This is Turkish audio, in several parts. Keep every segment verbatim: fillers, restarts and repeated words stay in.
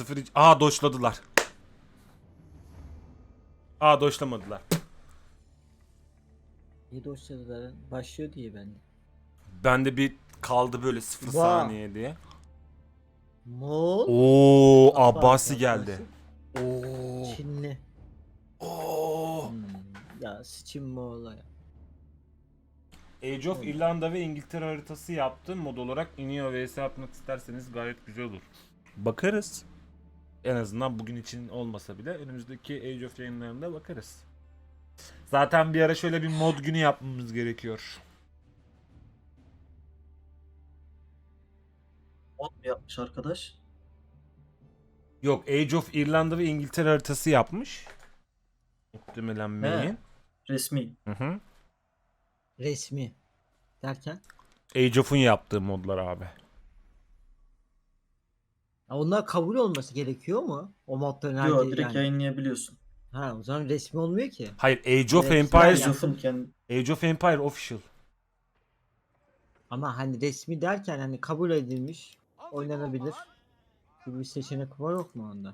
Sıfır... Aa doşladılar. Aa doşlamadılar. İyi dosyalar başlıyor diye bende. Bende bir kaldı böyle sıfır Vah. saniye diye. Moğol. Oo Abbasi, Abbasi geldi. Abbasi. Oo. Çinli. Oo. Hmm. Ya sıçın Moğol'a ya. Age of İrlanda ve İngiltere haritası yaptım. Mod olarak iniyor vs yapmak isterseniz gayet güzel olur. Bakarız. En azından bugün için olmasa bile önümüzdeki Age of yayınlarında bakarız. Zaten bir ara şöyle bir mod günü yapmamız gerekiyor. Mod mu yapmış arkadaş? Yok, Age of İrlanda ve İngiltere haritası yapmış. Muhtemelen main. Resmi. Hı hı. Resmi. Derken. Age of'un yaptığı modlar abi. Ya onlar kabul olması gerekiyor mu? O modların Yo, herkes direkt yani. yayınlayabiliyorsun. Ha o zaman resmi olmuyor ki. Hayır, Age of Direkt Empires. yani. Age of'un kendi... Age of Empire official. Ama hani resmi derken hani kabul edilmiş, oynanabilir gibi bir seçenek var yok mu onda?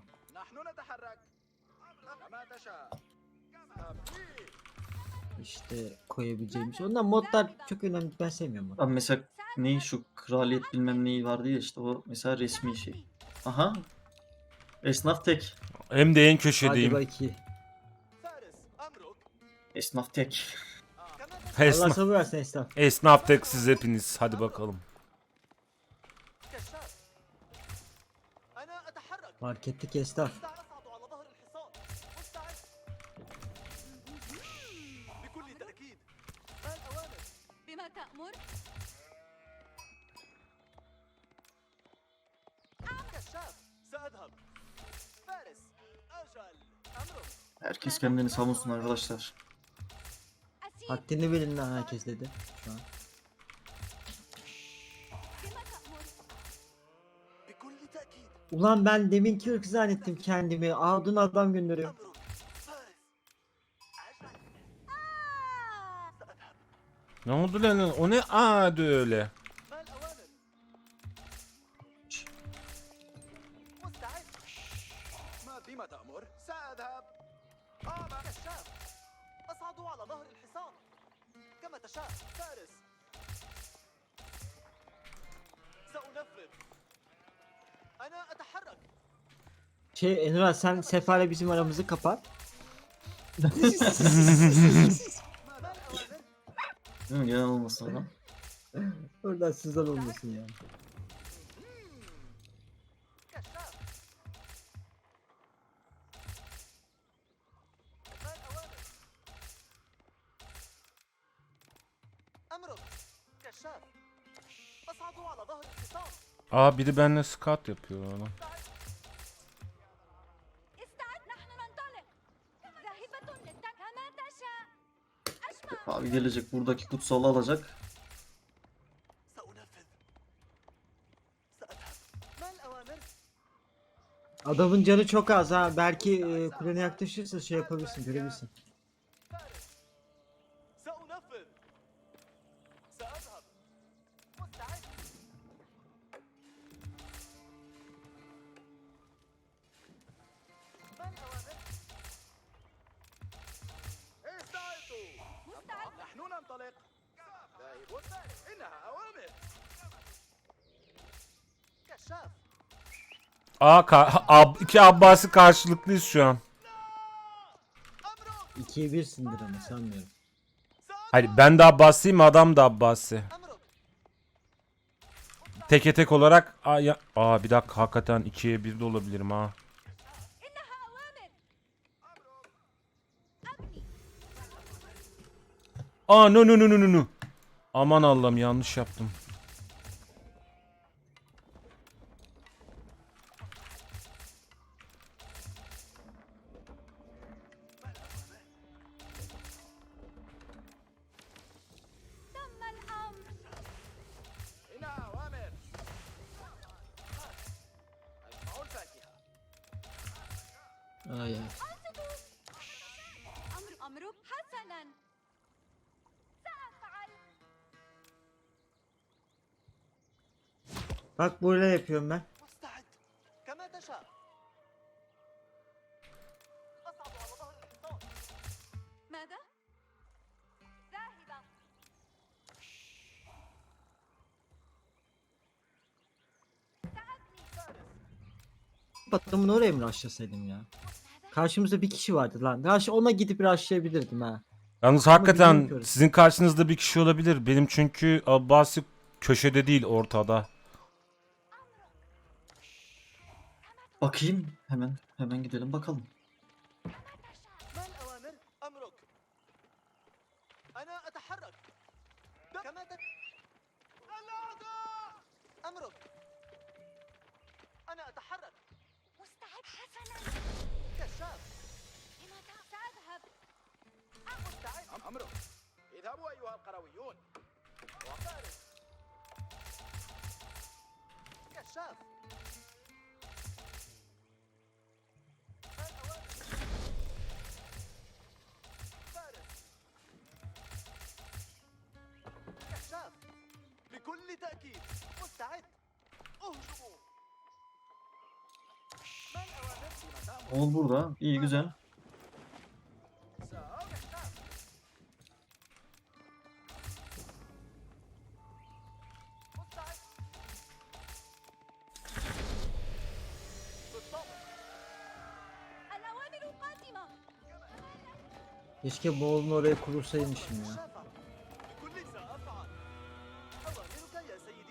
İşte koyabileceğimiz. Ondan modlar çok önemli. Ben sevmiyorum onu. Abi mesela neyi şu kraliyet bilmem neyi vardı ya işte o mesela resmi şey. Aha. Esnaf tek. Hem de en Hadi köşedeyim. bakayım. Esnaf tek. Allah Esnaf, sabır versin esnaf. esnaf tek siz hepiniz. Hadi bakalım. Fark ettik esnaf. بما تأمر Herkes kendini savunsun arkadaşlar. أسير Haddini bilin lan herkes dedi. Şu an. بما تأمر Ulan ben deminki ırk zannettim kendimi. Adın adam gönderiyor. Ne oldu lan? O ne adı öyle? بما تأمر سأذهب آه كشاف أصعد على ظهر الحصان كما تشاء فارس سأنفذ أنا أتحرك Şey Enver sen Sefa'yla bizim aramızı kapat. ما الأوامر Değil mi? Gelen olmasın adam. Oradan sızan olmasın yani. كشاف ما الأوامر أمرك كشاف أصعد على ظهر الحصان Aa biri benimle scout yapıyor ona. استعد نحن ننطلق ذاهبة للتك كما تشاء أسمع Abi gelecek buradaki kutsalı alacak. سأنفذ سأذهب ما الأوامر Adamın canı çok az ha. Belki e, kulene yaklaşırsa şey yapabilirsin, görebilirsin. فارس سأنفذ سأذهب مستعد ما الأوامر استعدوا مستعد نحن ننطلق ذاهب فارس إنها أوامر كشاف Aa ka- ab iki Abbasi karşılıklıyız şu an. أمرك ikiye birsindir ama sanmıyorum. Hayır ben de Abbasiyim, adam da Abbasi. أمرك Teke tek olarak aa, ya- aa bir dakika hakikaten ikiye bir de olabilirim ha. إنها أوامر أبني Aa no no no no no no. Aman Allah'ım yanlış yaptım. تم الأمر إنها أوامر أجمع الفاكهة Ay ay. أنصتوا أمر أمرك حسنا سأفعل Bak böyle yapıyorum ben. مستعد كما تشاء أصعد على ظهر الحصان. ماذا؟ ذاهبة. ساعدني. Adamın oraya mı rushlasaydım ya? Karşımızda bir kişi vardı lan. Rush ona gidip rushlayabilirdim ha. Yalnız Ama hakikaten bilmiyorum. sizin karşınızda bir kişi olabilir. Benim çünkü Abbasi köşede değil, ortada. Bakayım hemen. Hemen gidelim bakalım. ما الأوامر؟ أمرك. أنا أتحرك. كما تت... الأعداء! أمرك. أنا أتحرك. مستعد حسنا. كشاف. لماذا؟ سأذهب. مستعد. أمرك. اذهبوا أيها القرويون. وفارس. كشاف. ما الأوامر؟ فارس. كشاف. بكل تأكيد. مستعد. اهجموا. ما الأوامر؟ فيما تأمر. Oğul burada. İyi güzel. كشاف. مستعد. بالضبط. الأوامر قادمة. Keşke Moğol'un oraya kurursaymışım ya. كشافة. بكل سأفعل. أوامرك يا سيدي.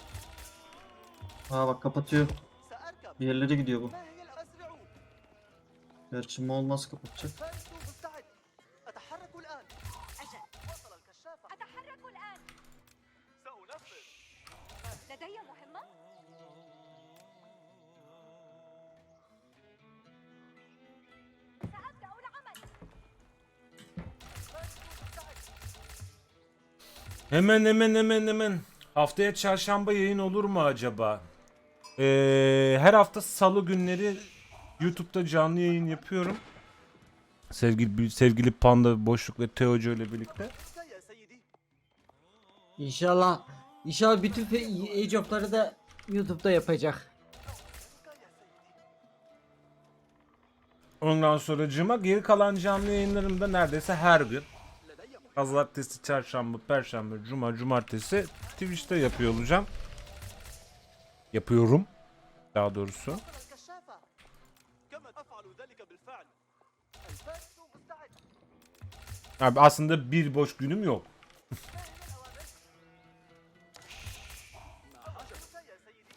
Aa bak kapatıyor. سأركب. Bir yerlere gidiyor bu. ما هي الأسرع؟ Gerçi Moğol nasıl kapatacak? الفارس مستعد. أتحرك الآن. أجل. وصل الكشافة. أتحرك الآن. سأنفذ. لدي مهمة. سأبدأ العمل. الفارس مستعد. Hemen hemen hemen hemen. Haftaya çarşamba yayın olur mu acaba? Ee, her hafta salı günleri YouTube'da canlı yayın yapıyorum. Sevgili sevgili Panda Boşluk ve Teocu ile birlikte. أمرك يا سيدي. İnşallah İnşallah bütün fe- Age of'ları da YouTube'da yapacak. أمرك يا سيدي. Ondan sonracığıma geri kalan canlı yayınlarımda neredeyse her gün. لدي مهمة. Pazartesi, çarşamba, perşembe, cuma, cumartesi Twitch'te yapıyor olacağım. Yapıyorum. Daha doğrusu. وصل الكشافة. كما أفعل ذلك بالفعل. الفارس مستعد. Abi aslında bir boş günüm yok. ما هي الأوامر؟ أمرك يا سيدي.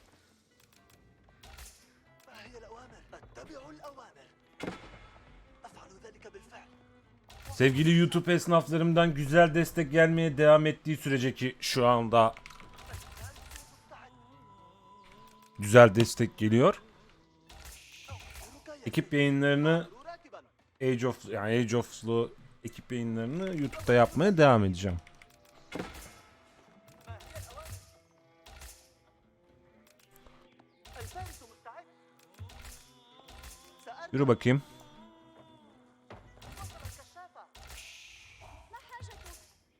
ما هي الأوامر؟ أتبع الأوامر. أفعل ذلك بالفعل. Sevgili YouTube esnaflarımdan güzel destek gelmeye devam ettiği sürece ki şu anda مستعد. güzel destek geliyor. أمرك يا Ekip yayınlarını سيدي. راكبا. Age of yani Age of'lu ekip yayınlarını YouTube'da yapmaya devam edeceğim. ما هي الأوامر؟ الفارس مستعد. سأركب. Yürü bakayım. وصل الكشافة. ما حاجتك؟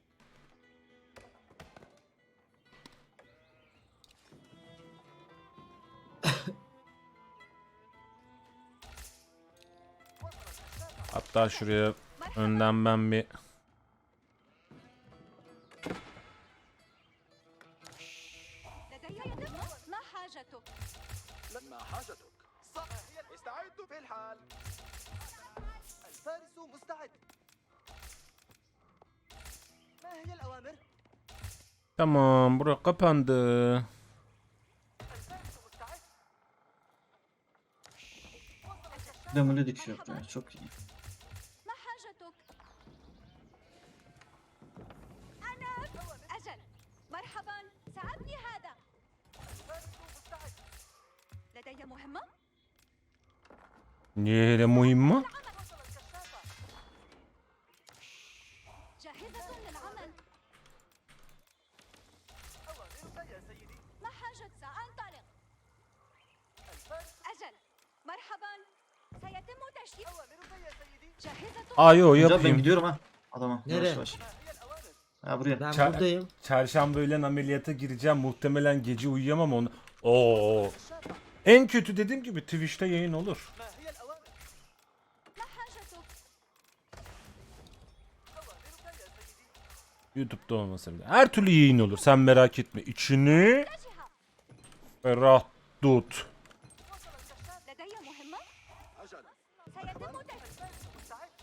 وصل الكشافة. Hatta şuraya مرحبا. önden ben bir لدي مهمة. ما حاجتك؟ ما حاجتك؟ صح. استعد في الحال. الفارس مستعد. ما هي الأوامر؟ tamam bura kapandı. الفارس مستعد. وصل الكشافة. Demoli dikiyor. Yani çok iyi. ما حاجتك؟ أنا أجل. مرحبا. سأبني هذا. الفارس مستعد. لدي مهمة. Niye hele muhim mi? وصل الكشافة. جاهزة للعمل. أوامرك يا سيدي. ما حاجة؟ سأنطلق. الفارس. أجل. مرحبا. سيتم تشييد. أوامرك يا سيدي. جاهزة. Aa yo Güzel ben yapayım. gidiyorum ha. Adama. Nereye? Yavaş yavaş. ما هي الأوامر؟ Ha buraya. Ben Ça- buradayım. Çarşamba öğlen ameliyata gireceğim. Muhtemelen gece uyuyamam onu. Oo. الكشافة. En kötü dediğim gibi Twitch'te yayın olur. ما هي الأوامر؟ ما حاجة؟ YouTube'da olmasa bile. Her türlü yayın olur. Sen merak etme. İçini متجهة. ferah tut. لدي مهمة. أجل. سيتم تجهيز. مستعد.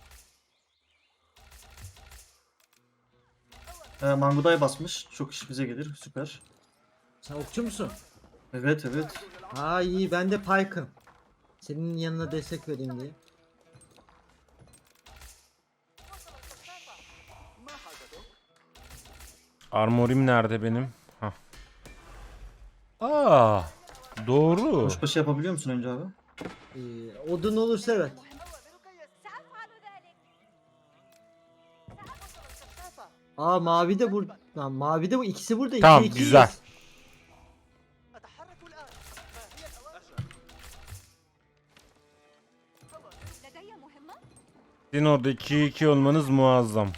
Ee, Manguday basmış. Çok iş bize gelir. Süper. Sen okçu musun? Evet evet. Ha iyi, ben de Pyke'ım. Senin yanına destek vereyim diye. ما حاجتك؟ Armorim nerede benim? Hah. Aa, doğru. Kuşbaşı yapabiliyor musun önce abi? Ee, odun olursa evet. سأفعل ذلك. Aa mavi de burada. Lan mavi de bu, ikisi burada. Tamam, iki, iki. güzel. أتحرك الآن. ما هي الأوامر؟ لدي مهمة. Sizin orada iki iki olmanız muazzam.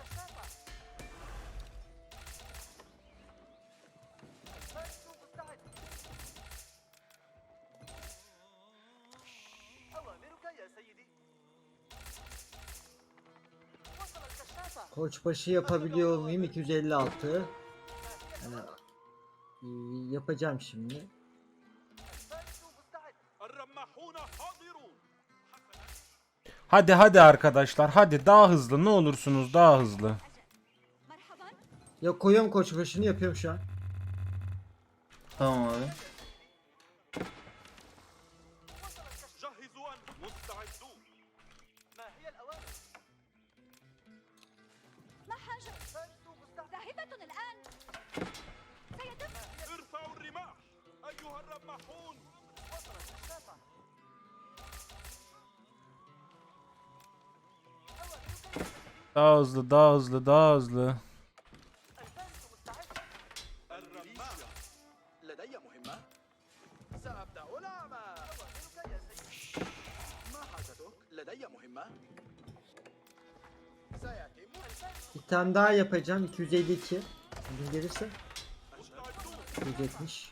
أوامرك يا سيدي. وصل الكشافة. Koçbaşı yapabiliyor muyum? iki yüz elli altı. Yani, ee, yapacağım şimdi. الفارس مستعد. الرماحون حاضرون. Hadi hadi arkadaşlar. Hadi daha hızlı. Ne olursunuz daha hızlı. مرحبا. Ya koyuyorum koçbaşını, yapıyorum şu an. Tamam abi. جهزوا أنفسكم. مستعدون. ما هي الأوامر؟ ما حاجة؟ الفارس مستعد. ذاهبة الآن. سيتم. ارفعوا الرماح أيها الرماحون. وصل الكشافة. Daha hızlı, daha hızlı, daha hızlı. الفارس مستعد. الرماح. لدي مهمة. سأبدأ العمل. أوامرك يا سيدي. ما حاجتك؟ لدي مهمة. سيتم. الفارس Bir tane daha yapacağım. iki yüz elli iki. Bugün gelirse. مستعدون. yüz yetmiş.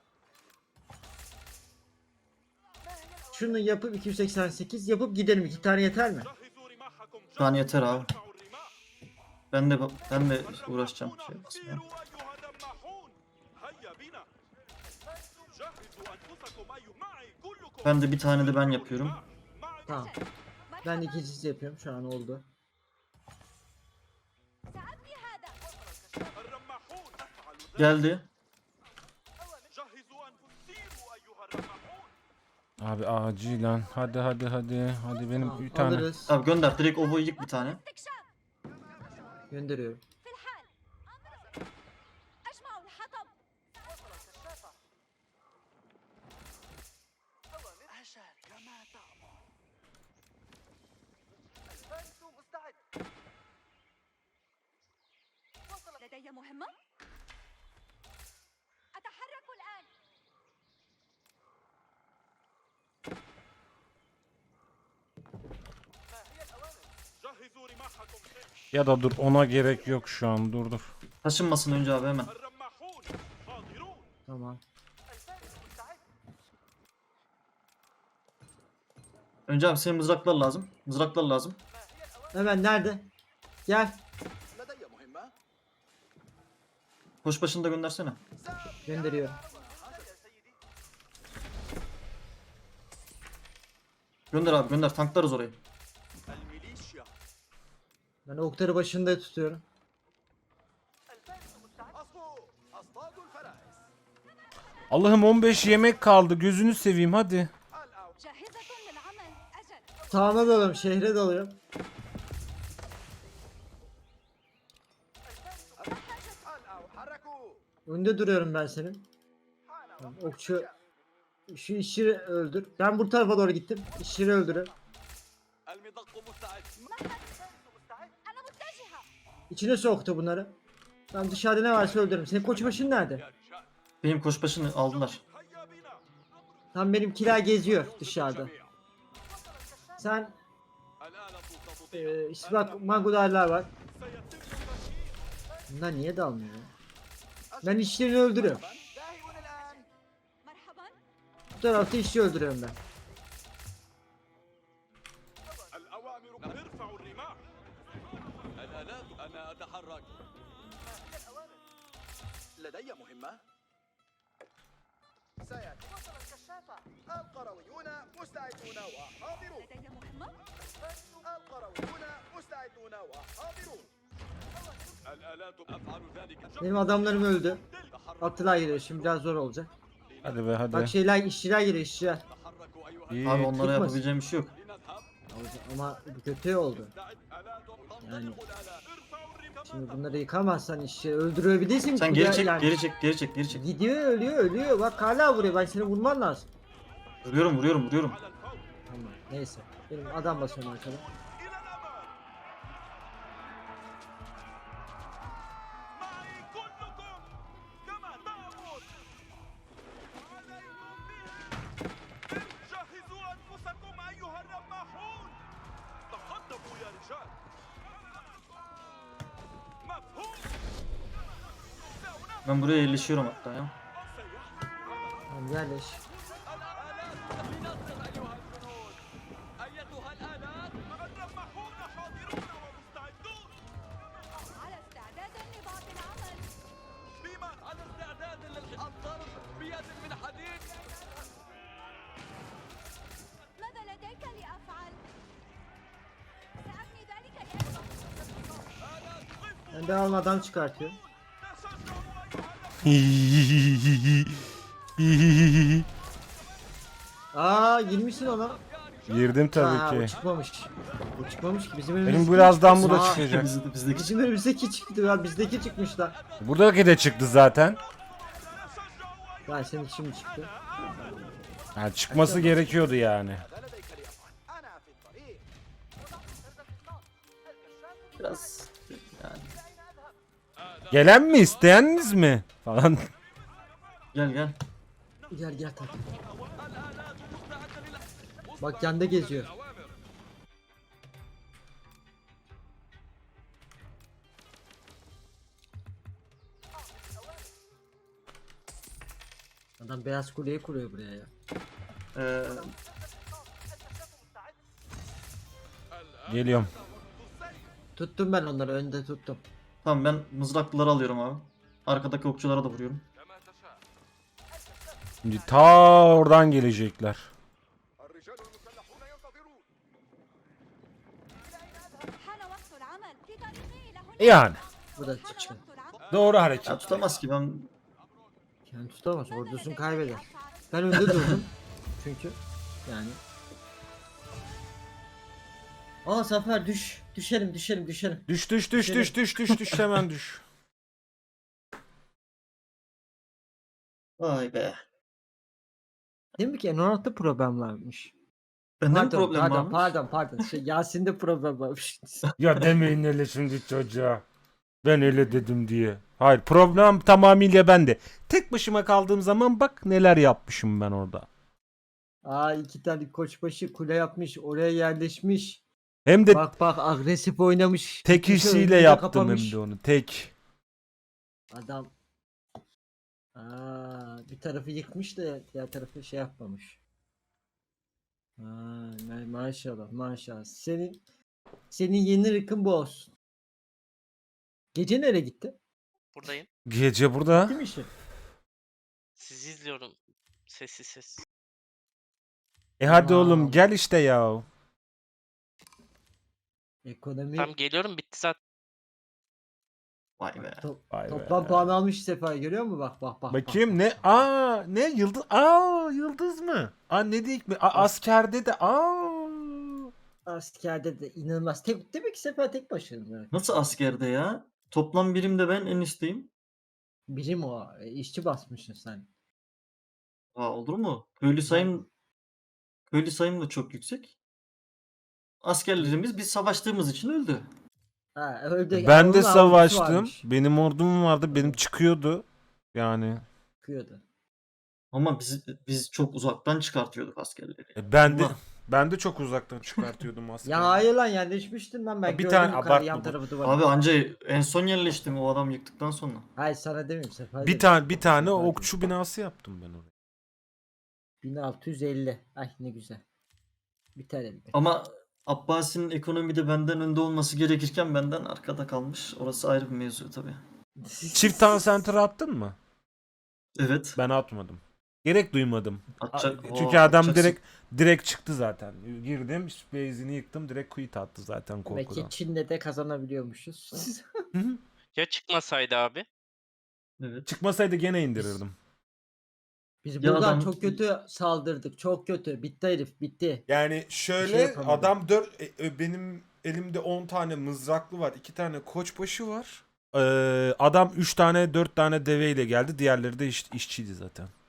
Şunu yapıp iki yüz seksen sekiz yapıp gidelim. İki tane yeter mi? جهزوا رماحكم. Şu an yeter abi. ارفعوا الرماح. Ben de ben de uğraşacağım. Şey basmaya. سيروا أيها الرماحون. هيا بنا. جهزوا أنفسكم أي معي كلكم. Ben de bir tane de ben yapıyorum. معي. Tamam. Ben ikincisi yapıyorum. Şu an oldu. سأبني هذا. الرماحون أفعل ذلك. Geldi. جهزوا أنفسكم. سيروا أيها الرماحون. Abi acilen. Hadi hadi hadi. Hadi benim Tamam, bir tane. alırız. Abi gönder. Direkt ovo yık bir tane. استكشاف. Gönderiyorum. في الحال. أجمع الحطب. وصل الكشافة. أوامر. عشان كما تأمر. الفارس مستعد. وصل. لدي مهمة. أتحرك الآن. ما هي الأوامر؟ جهزوا رماحكم. Ya da dur, ona gerek yok şu an. Dur dur. Taşınmasın önce abi hemen. الرماحون حاضرون. Tamam. الفارس مستعد. Önce abi senin mızraklar lazım. Mızraklar lazım. ما هي الأوامر؟ Hemen nerede? Gel. لدي مهمة. Koçbaşını da göndersene. Gönderiyorum. هذا يا سيدي. Gönder abi gönder. Tanklarız orayı. الميليشيا. Ben oktarı başında tutuyorum. الفارس مستعد. أصبوا. أصطاد الفرائس. Allah'ım on beş yemek kaldı. Gözünü seveyim hadi. الأو. جاهزة للعمل. أجل. Sağına dalıyorum. Şehre dalıyorum. الأو. حركوا. Önde duruyorum ben senin. Tamam, okçu. Şu işçiyi öldür. Ben bu tarafa doğru gittim. İşçiyi öldürün. المدق مستعد. الفارس مستعد. أنا متجهة. İçine soktu bunları. Ben dışarıda ne varsa öldürürüm. Senin koçbaşın nerede? Benim koçbaşını aldılar. هيا بنا. Tam benimkiler geziyor dışarıda. Sen الآلة تستطيع. e, işte bak magudarlar var. سيتم تشييد. Bunlar niye dalmıyor ya? Ben işçilerini öldürüyorum. ذاهب الآن. مرحبا. Bu tarafta işçi öldürüyorum ben. الأوامر. ارفعوا الرماح. الآلات. أنا أتحرك. لدي مهمة. سيأتي. وصل الكشافة. القرويون مستعدون وحاضرون. لدي مهمة. القرويون مستعدون وحاضرون. الآلات أفعل ذلك. Benim adamlarım öldü. Atlılar geliyor şimdi biraz zor olacak. Hadi be hadi. Bak şeyler işçiler geliyor işçiler. تحركوا أيها İyi. Abi onlara Çıkmaz. yapabileceğim bir şey yok. لنذهب. Ama bu kötü oldu. آلات Yani تنطلق الآلات. ارفعوا الرماح. şimdi bunları yıkamazsan işçi öldürebilirsin. Sen Kule- geri çek, yani- geri çek, geri çek, geri çek. Gidiyor ölüyor ölüyor. Bak hala vuruyor. Ben seni vurman lazım. Vuruyorum, vuruyorum, vuruyorum. على الفور. Tamam neyse. Benim adam basıyorum arkada. إلى الأمام. معي كلكم كما تأمر. عليكم بها. جهزوا أنفسكم أيها الرماحون. تقدموا يا رجال. مفهوم. Ben buraya yerleşiyorum hatta ya. Tamam yerleş. أيتها الآلات الرماحون حاضرون ومستعدون. على استعداد لبعض العمل. بمن على استعداد للضرب بيد من حديد. ماذا لديك لأفعل؟ سأبني ذلك لأجل. Ben de alma adam çıkartıyor. Aa girmişsin ona. Girdim Aa, tabii o ki. çıkmamış. O çıkmamış ki bizim Benim önümüzdeki birazdan bu da Aa, çıkacak. Bizde, bizdeki Bizim önümüzdeki çıktı ya bizdeki çıkmışlar. Buradaki de çıktı zaten. Ben senin şimdi çıktı. Yani çıkması gerekiyordu yani. ماذا لديك لأفعل؟ أنا في الطريق. biraz yani. Gelen mi isteyeniniz mi? Falan. Gel gel. Gel gel tak. Bak yanda geziyor. Adam beyaz kuleyi kuruyor buraya ya. Ee, Geliyorum. Tuttum ben onları önde tuttum. tamam ben mızraklıları alıyorum abi. Arkadaki okçulara da vuruyorum. Şimdi ta oradan gelecekler. الرجال المسلحون ينتظرون. حان وقت العمل. في طريقي إلى هنا. Yani. Bu da حان çıkıyor. وقت العمل. Doğru Ya hareket. tutamaz ki ben. Yani tutamaz ماذا ordusunu لديك kaybeder. لأفعل؟ Ben önde durdum. Çünkü yani. Aa Zafer düş. Düşelim düşelim düşelim. Düş düş düş düş düş düş düş hemen düş. Vay be. Değil mi ki N on altıda problem varmış. Bende mi Pardon, problem pardon, varmış? Pardon pardon Şey, Yasin'de problem varmış. Ya demeyin öyle şimdi çocuğa. Ben öyle dedim diye. Hayır problem tamamıyla bende. Tek başıma kaldığım zaman bak neler yapmışım ben orada. Aa iki tane koçbaşı kule yapmış oraya yerleşmiş. Hem de Bak bak agresif oynamış. tek gitmiş, işiyle önünü de yaptım kapamış. hem de onu. Tek. Adam Aa, bir tarafı yıkmış da diğer tarafı şey yapmamış. Aa, ma- maşallah maşallah. Senin senin yeni rıkın bu olsun. Gece nereye gitti? Buradayım. Gece burada. Değil mi işi? Sizi izliyorum. Sessiz ses. E hadi Tamam. oğlum gel işte ya. Ekonomi Tam geliyorum bitti zaten. Vay be. to- Vay be. toplam puan almış sefer görüyor musun? Bak bak bak. Bakayım bak, ne? Aa ne yıldız? Aa yıldız mı? Aa ne diyeyim mi? Aa, askerde de aa. Askerde de inanılmaz. Tek, demek ki sefer tek başına. Nasıl askerde ya? Toplam birimde ben en üstteyim. Birim o. e, işçi basmışsın sen. Aa, olur mu? Köylü sayım köylü sayım da çok yüksek. Askerlerimiz biz savaştığımız için öldü. Ha, öldü. Ben Onun de avlusu savaştım. varmış. Benim ordum vardı. Benim çıkıyordu. Yani. Çıkıyordu. Ama biz biz çok uzaktan çıkartıyorduk askerleri. E, ben de Allah. ben de çok uzaktan çıkartıyordum aslında. Ya hayır lan yerleşmiştin lan ben Ya bir gördüm tane yukarı abartma yan bu. tarafı duvarı. Abi anca en son yerleştim o adam yıktıktan sonra. Hayır sana demiyorum sefer. Bir dedim. tane bir tane Sefer okçu binası yaptım ben oraya. bin altı yüz elli. Ay ne güzel. Biter elbet. Ama Abbasi'nin ekonomide benden önde olması gerekirken benden arkada kalmış. Orası ayrı bir mevzu tabii. Çift town center attın mı? Evet. Ben atmadım. Gerek duymadım. Atacak- A- Çünkü Oo, adam atacaksın. direkt direkt çıktı zaten. Girdim, base'ini yıktım, direkt quit attı zaten Demek korkudan. ki Çin'de de kazanabiliyormuşuz. Ya çıkmasaydı abi? Evet. Çıkmasaydı gene indirirdim. Biz Ya buradan adam- çok kötü saldırdık. Çok kötü. Bitti herif. Bitti. Yani şöyle yapamadım. adam dört e, e, benim elimde on tane mızraklı var. iki tane koçbaşı var. Ee, adam üç tane dört tane deveyle geldi. Diğerleri de iş, işçiydi zaten.